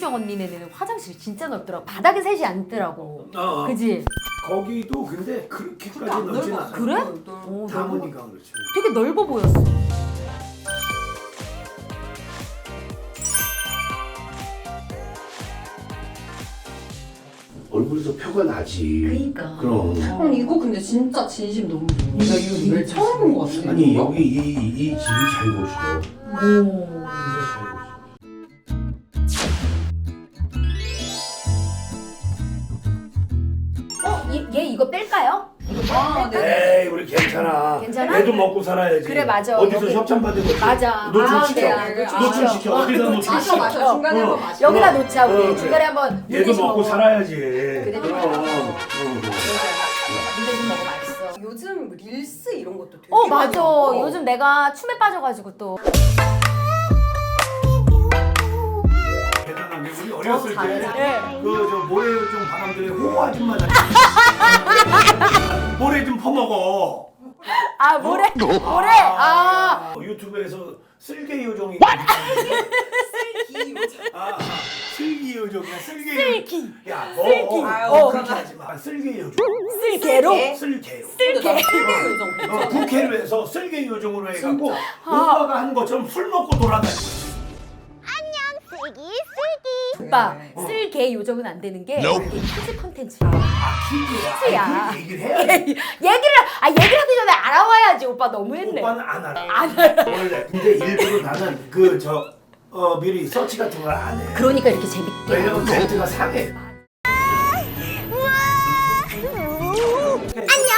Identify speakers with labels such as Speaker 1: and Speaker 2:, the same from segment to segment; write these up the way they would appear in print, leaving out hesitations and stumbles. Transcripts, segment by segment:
Speaker 1: 김수정 언니네는 화장실이 진짜 넓더라고. 바닥에 셋이 앉더라고. 그지?
Speaker 2: 거기도 근데 그렇게까지 넓진 않아.
Speaker 1: 그래?
Speaker 2: 다모니까 그렇지.
Speaker 1: 되게 넓어 보였어.
Speaker 2: 얼굴에서 표가 나지.
Speaker 1: 그러니까.
Speaker 2: 그럼.
Speaker 3: 이거 근데 진짜 진심 너무 좋아. 나 이거 처음 본 것 같아.
Speaker 2: 아니 여기 이 집이 잘 보셔.
Speaker 1: 오. 얘 이거 뺄까요? 이거 뺄까?
Speaker 2: 에이 우리 괜찮아.
Speaker 1: 괜찮아?
Speaker 2: 애도 먹고 살아야지.
Speaker 1: 그래, 맞아.
Speaker 2: 어디서
Speaker 1: 여기-
Speaker 2: 협찬 받은 거지.
Speaker 1: 맞아.
Speaker 2: 노출시켜.
Speaker 1: 네,
Speaker 2: 노출시켜. 어디다 노출시켜.
Speaker 3: 마셔. 중간에 한번 마셔.
Speaker 1: 여기다 놓자 우리.
Speaker 2: 그래.
Speaker 1: 중간에 한번
Speaker 2: 얘도
Speaker 1: 물대신
Speaker 2: 먹고
Speaker 1: 먹어.
Speaker 2: 살아야지.
Speaker 1: 그래. 물대신 먹어 맛있어.
Speaker 3: 요즘 릴스 이런 것도 되게
Speaker 1: 맞아.
Speaker 3: 많이 나와.
Speaker 1: 요즘 내가 춤에 빠져가지고 또.
Speaker 2: 대단한 게 우리 어렸을
Speaker 1: 잘해.
Speaker 2: 때 그 저 모래종 바람들의 호호 아줌마 모래 좀 퍼먹어.
Speaker 1: 아 모래. 모래. 아.
Speaker 2: 유튜브에서 쓸개 요정이 슬기 요정이야.
Speaker 1: 슬기.
Speaker 2: 야,
Speaker 1: 슬기.
Speaker 2: 그렇게 하지 마. 쓸개 요정.
Speaker 1: 쓸개로.
Speaker 2: 쓸개요.
Speaker 1: 쓸개.
Speaker 2: 국회를 해서 쓸개 요정으로 해갖고 오빠가 한 것처럼 술 먹고 돌아다니고.
Speaker 1: 오빠 쓸개 요정은 안 되는 게 이게 키즈 컨텐츠.
Speaker 2: 퀴즈야. 그 얘기를 해야 돼.
Speaker 1: 얘기를 하기 전에 알아와야지. 오빠 너무했네.
Speaker 2: 오빠는 안 알아. 원래. 근데 일부러 나는 미리 서치 같은 걸 안 해.
Speaker 1: 그러니까 이렇게 재밌게.
Speaker 2: 왜냐면 멘트가 상해.
Speaker 4: 안녕,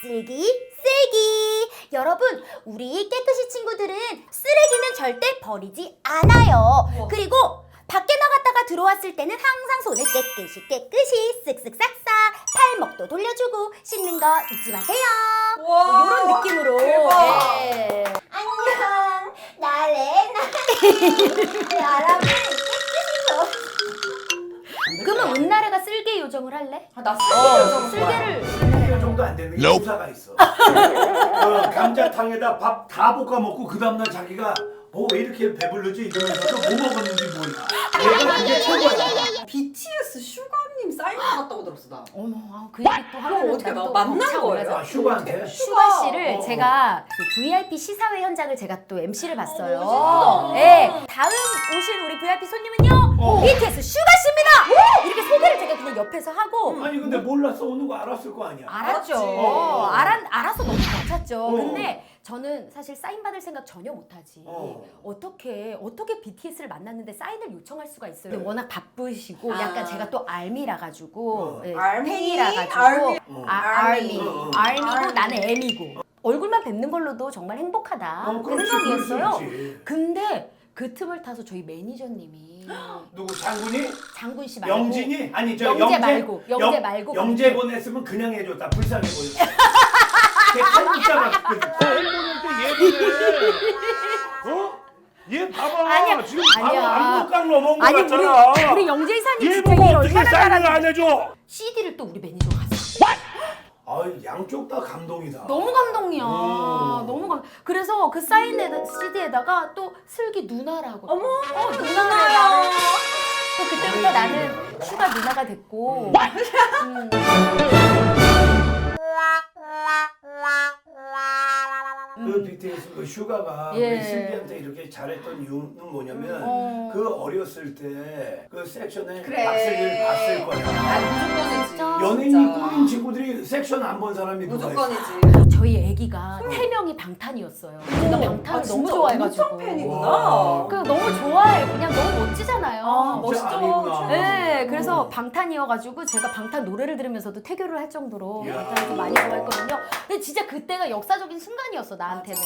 Speaker 4: 슬기. 여러분, 우리 깨끗이 친구들은 쓰레기는 절대 버리지 않아요. 그리고 밖에 나갔다가 들어왔을 때는 항상 손을 깨끗이 쓱쓱 싹싹 팔목도 돌려주고 씻는 거 잊지 마세요.
Speaker 3: 와,
Speaker 1: 이런 느낌으로.
Speaker 3: 대박.
Speaker 1: 네.
Speaker 4: 안녕, 나래. 여러분,
Speaker 1: 그러면 은나래가 쓸개 요정을 할래?
Speaker 3: 나 쓰레기
Speaker 1: 쓸개를.
Speaker 2: 쓸개 요정도 안 되는 게 부사가 있어. 감자탕에다 밥 다 볶아 먹고 그 다음날 자기가 왜 이렇게 배불르지 이러면서도 뭐 먹었는지 몰라. 얘가 그게 최고야.
Speaker 3: BTS 슈가님 사인 받았다고 들었어 나.
Speaker 1: 어머, 그 얘기 또 하면
Speaker 3: 어떻게 만난 거예요?
Speaker 2: 슈가한테?
Speaker 1: 슈가 씨를 제가 그 VIP 시사회 현장을 제가 또 MC를 봤어요.
Speaker 3: 멋있다.
Speaker 1: 네, 다음 오신 우리 VIP 손님은요, BTS 슈가 씨입니다. 이렇게 소개를 제가 그냥 옆에서 하고.
Speaker 2: 아니 근데 몰랐어 오는 거 알았을 거 아니야.
Speaker 1: 알았죠.
Speaker 3: 알았지.
Speaker 1: 알아서 너무 벅찼죠. 근데 저는 사실 사인 받을 생각 전혀 못하지. 어떻게 BTS를 만났는데 사인을 요청할 수가 있어요. 근데 워낙 바쁘시고 약간 제가 또 알미라 가지고
Speaker 3: 알미?
Speaker 1: 팬이라 가지고
Speaker 3: 알미?
Speaker 1: 알미고 나는 M이고 얼굴만 뵙는 걸로도 정말 행복하다. 그
Speaker 2: 그렇지,
Speaker 1: 생각이었어요.
Speaker 2: 그렇지.
Speaker 1: 근데 그 틈을 타서 저희 매니저님이
Speaker 2: 누구 장군이?
Speaker 1: 장군 씨 말고
Speaker 2: 영진이? 아니 저
Speaker 1: 영재 말고
Speaker 2: 영재 보냈으면 그냥 해줬다. 불쌍해 보였어. 걔 탈북자가 얘 봐봐.
Speaker 1: 아니야,
Speaker 2: 지금
Speaker 1: 아니야.
Speaker 2: 바로 압록강 넘어온 거
Speaker 1: 아니
Speaker 2: 같잖아.
Speaker 1: 우리 영재 이사님
Speaker 2: 얘
Speaker 1: 진짜
Speaker 2: 보고
Speaker 1: 일
Speaker 2: 어떻게
Speaker 1: 얼마나
Speaker 2: 사인을 안
Speaker 1: 잘하는지.
Speaker 2: 해줘?
Speaker 1: CD를 또 우리 매니저가 샀어.
Speaker 2: 양쪽 다 감동이다.
Speaker 1: 너무 감동이야. 너무 감. 그래서 그 사인 CD에다가 또 슬기 누나라고.
Speaker 3: 어머,
Speaker 1: 누나야. 또 그때부터 나는 슈가 누나가 됐고.
Speaker 2: 그 BTS 그 슈가가
Speaker 1: 예.
Speaker 2: 우리 슬기한테 이렇게 잘했던 이유는 뭐냐면 그 어렸을 때 그 섹션에
Speaker 3: 그래.
Speaker 2: 박슬기를 봤을 거야.
Speaker 3: 무조건이지.
Speaker 2: 연예인이 꾸민 친구들이 섹션 안 본 사람이 누가 있어?
Speaker 3: 무조건이지.
Speaker 1: 저희 애기가 3명이 방탄이었어요. 제가 방탄을 너무 좋아해가지고.
Speaker 3: 엄청 팬이구나.
Speaker 2: 와.
Speaker 1: 그 너무 좋아해. 그냥 너무 멋지잖아요.
Speaker 2: 진짜
Speaker 3: 멋있죠.
Speaker 2: 아니구나.
Speaker 1: 네, 그래서 방탄이어가지고 제가 방탄 노래를 들으면서도 태교를 할 정도로
Speaker 2: 이야.
Speaker 1: 방탄을 좀 많이 좋아했거든요. 근데 진짜 그때가 역사적인 순간이었어, 나한테는.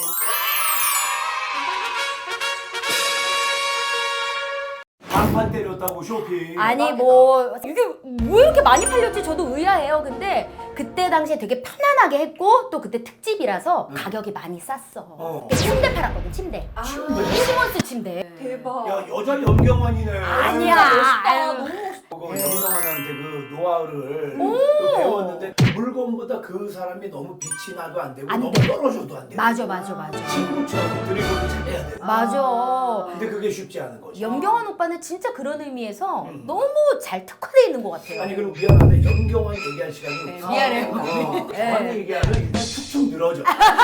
Speaker 2: 방판 때렸다고 쇼핑.
Speaker 1: 아니 뭐 이게 왜 이렇게 많이 팔렸지 저도 의아해요. 근데 그때 당시에 되게 편안하게 했고 또 그때 특집이라서 가격이 많이 쌌어. 근데 침대 팔았거든, 침대. 시몬스 침대.
Speaker 3: 대박.
Speaker 2: 야 여자 염경환이네.
Speaker 1: 아니야.
Speaker 3: 멋있다.
Speaker 1: 아유.
Speaker 3: 너무 멋있다.
Speaker 2: 염경환한테 그 노하우를 그 배웠는데 물건보다 그러니까 그 사람이 너무 빛이 나도 안 되고
Speaker 1: 안
Speaker 2: 너무
Speaker 1: 돼.
Speaker 2: 떨어져도 안 돼.
Speaker 1: 맞아.
Speaker 2: 친구처럼 드리블을 잘해야 돼.
Speaker 1: 맞아.
Speaker 2: 근데 그게 쉽지 않은 거지.
Speaker 1: 염경환 오빠는 진짜 그런 의미에서 너무 잘 특화되어 있는 것 같아요.
Speaker 2: 아니 그리고 미안한데 염경환 얘기할 시간이 없어.
Speaker 1: 미안해요.
Speaker 2: 경환 얘기하면 일단 축축 늘어져.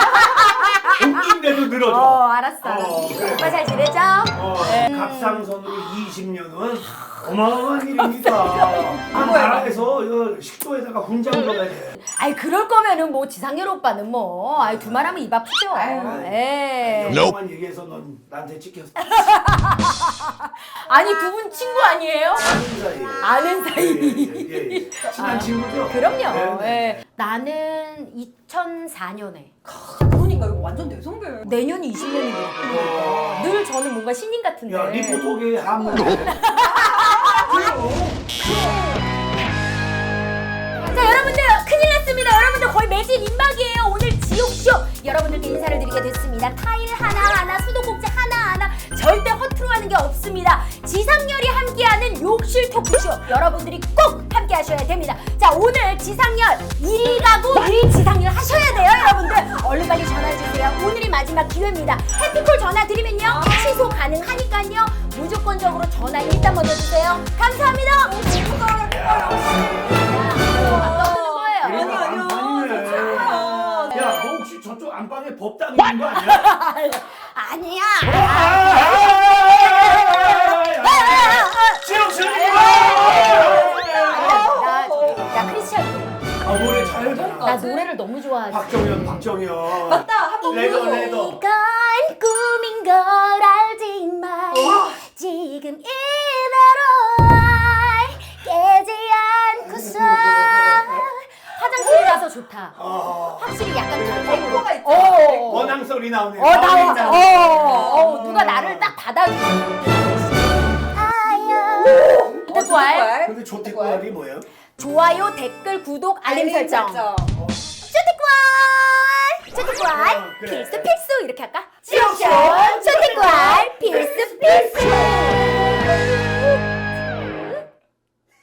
Speaker 2: 웃긴데도 늘어져.
Speaker 1: 알았어.
Speaker 2: 그래.
Speaker 1: 오빠 잘 지내죠?
Speaker 2: 갑상선으로 20년은 어마어마한 일입니다. 나라에서 이거 식도에다가 훈장 넣어야 돼.
Speaker 1: 아이 그럴 거면은 뭐 지상렬 오빠는 뭐 아이 두 말하면 입 아프죠. 예.
Speaker 2: 염경환 얘기해서 넌 나한테 찍혔어.
Speaker 1: 아니 두 분 친구 아니에요?
Speaker 2: 아는 사이에.
Speaker 1: 아는 사이.
Speaker 2: 예. 친한 친구죠?
Speaker 1: 그럼요.
Speaker 2: 네.
Speaker 1: 예. 나는 2004년에
Speaker 3: 그러니까 이거 완전 대성별.
Speaker 1: 내년이 20년이거든요. 늘 저는 뭔가 신인 같은데.
Speaker 2: 야, 리포터계 한문.
Speaker 1: 자 여러분들 큰일 났습니다. 여러분들 거의 매직 임박이에요. 오늘 지옥쇼 여러분들께 인사를 드리게 됐습니다. 타일 하나하나 수도꼭지 하나하나 절대 허투루 하는 게 없습니다. 지상렬이 함께하는 욕실 토크쇼 여러분들이 꼭 함께 하셔야 됩니다. 자 오늘 지상렬 1위 가구 1위 지상렬 하셔야 돼요. 여러분들 얼른 빨리 전화주세요. 오늘이 마지막 기회입니다. 해피콜 전화 드리면요 취소 가능하니까요 무조건적으로 전화 일단 먼저 주세요. 감사합니다. 떠드는 거예요.
Speaker 2: 야, 너 혹시 저쪽 안방에 법당 있는 거 아니야?
Speaker 1: 아니야. 나 크리스찬.
Speaker 2: 노래 잘 잘한다.
Speaker 1: 나 노래를 너무 좋아하지.
Speaker 2: 박정현.
Speaker 3: 맞다. 한번
Speaker 2: 레더.
Speaker 1: 이건 꿈인 걸 알지만 지금 이대로 깨지 않고서 화장실 가서 좋다. 확실히 약간
Speaker 3: 템포가 있죠.
Speaker 2: 원앙 소리 나오네.
Speaker 1: 나와. 누가 나를 딱 받아주고. 근데 좋아해?
Speaker 2: 근데 조태구알이 뭐예요?
Speaker 1: 좋아요, 댓글, 구독, 알림 설정. 쪼티꾸알
Speaker 2: 그래.
Speaker 1: 필수 이렇게 할까? 지옥쇼 쪼티꾸알 필수